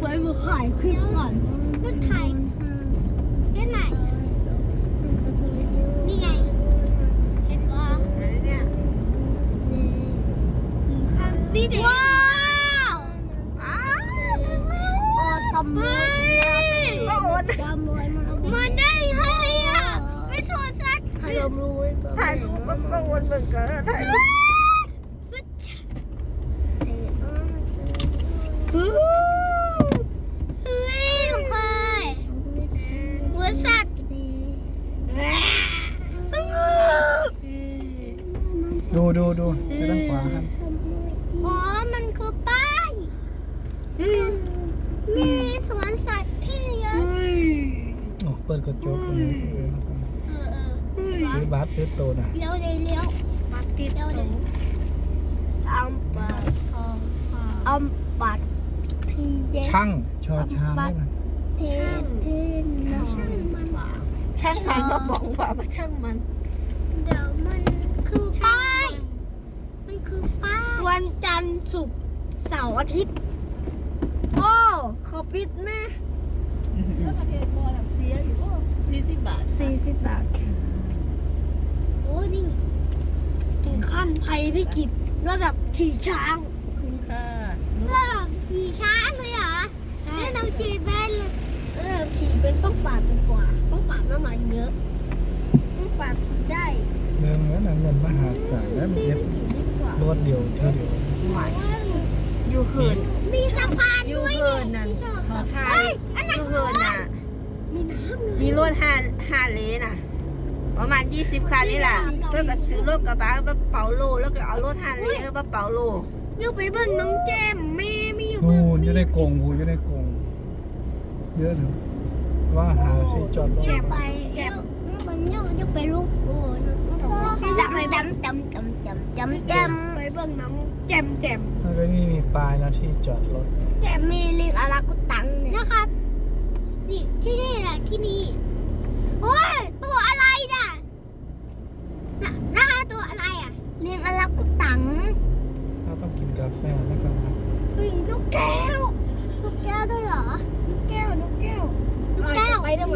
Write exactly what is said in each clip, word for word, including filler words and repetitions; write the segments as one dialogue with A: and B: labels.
A: ไว้มาขายคลิปก่อนมาถ่ายที่ไหนนี่ไงเห็นปะเนี่ยข้างนี่เด็กว้าวอ้าวโอ้สมบูรณ์โอ้จำรวยมามันได้ให้อ่ะไม่สนสัตว์ถ่ายรูปถ่ายรูปก็กังวลเหมือนกันถ่ายรูปเฮ้ยน้องพลอยหัวสัตว์
B: ดูดูดูไปด้านขวาครับ
A: อ๋อมันคือป้ายมีสวนสัตว์ที่เยอะ
B: โอ้เปิดกระจกเลย
A: เออเออ
B: ซื้อบัสซื้อโตนะ
A: เลี้ยวเลยเลี้ยวมาติดเลี้ยวเลยอัมปัดอัมปัดทีเย็น
B: ช่างชอช้างด้วยนะ
A: เทนเทนช่างมันช่างมันก็บอกว่ามาช่างมันเดี๋ยวมันคือป้ายมันคือป้ายวันจันทร์ศุกร์เสาร์อาทิตย์โอ้เขาปิดแม่แล้วประเทศบอลเสียอยู่สี่สิบบาทสี่สิบบาทโอ้นี่ถึงขั้นภัยพิกิจระดับขี่ช้างคุณค่ะระดับขี่ช้างเลยเหรอใช่เราขี่เป็นเออขี่เป็นต้องปาดดีกว่าต้องปาดน้ำมันเยอะต้องปาดขี่ได้
B: เรื่องนั้นเงินมหาศาลแล้วมีรถเดียวเท่าเดียว
C: อยู่เหิน
A: มีสะพาน
C: อยู่
A: ด้วย
C: เหินนั่นขอทาน
A: อัน
C: อ
A: นั้น
C: ยู่เหินน่ะ
A: มีน้ำ
C: มีรถฮาฮาเลน่ะ ประมาณยี่สิบคันนี่แหละเพื่อก็ซื้อรถกระบะมาเป่าโลแล้วก็เอารถฮาเลมาเป่าโล
A: อยู่ไปเบิ่งน้องแจมแม่ไม่อยู่
B: นู่
A: เบิ่ง
B: นอยู่ในกรงหูอยู่ในกรงเยอะเลยว่าหาที่จอดรถ
A: แจมไปแจมมันอยู่อยู่ไปลูกโอ้จะไปจำจำจำจำจำจำไปเบิ่งน้องแจมแจม
B: แล้วก็นี่มีปลายนะที่จอดรถ
A: แจมมีลิงอารากุตังนะครับนี่ที่นี่แหละที่นี่โอ้ยตัวอะไรน่ะน่ะนะคะตัวอะไรอ่ะลิงอารากุตัง
B: เราต้องกินกาแฟสักคำนะ
A: เฮ้ยนกแก้วนกแก้วด้วยเหรอนกแก้วนกแก้วนกแก้วไปทำไม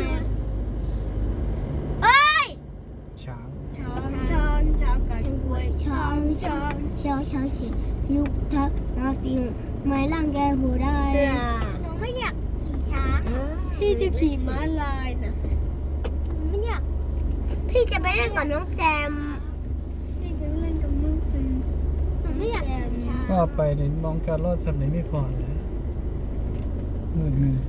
A: เอ้ย
B: ช้าง
A: ช้อนช้อนช้อนกันช้อนช้อนช้อนช้อนช้อนลูกทักนาติงไม่ร่างแกหัวได้หนูไม่อยากขี่ช้างพี่จะขี่ม้าลายนะไม่อยากพี่จะไปเล่นกับน้องแจมพี่จะเล่นกับน้องแจมหนูไม่อยากขี่ช้าง
B: ก็ไปในมองการรถสำเนียงไม่พอเลยมืดมืด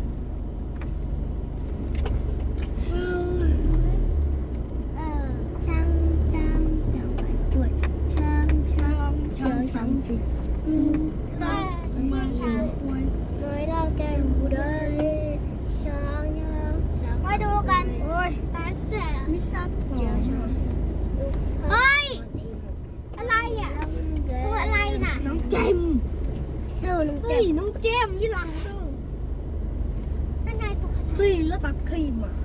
A: เออช้างช้างจังหวัดปวดช้างช้างช้างช้างสิอืมถ้าไม่ช้างปวดน้อยร่างแกหูได้ช้างช้างช้างมาดูกันโอ้ยตาเสียไม่ทราบเดี๋ยวช้างเฮ้ยอะไรอ่ะตัวอะไรน่ะน้องเจมสู้น้องเจมน้องเจมยี่หลังสู้นั่นไงตัวเฮ้ยแล้วตัดขี้หมา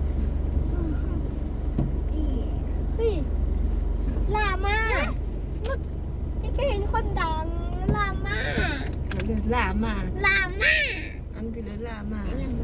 A: เฮ้ยลามานี่ก็เห็นคนดังลามา
C: เรือลามา
A: ลามา
C: อันเป็นเรือลามา
A: ลา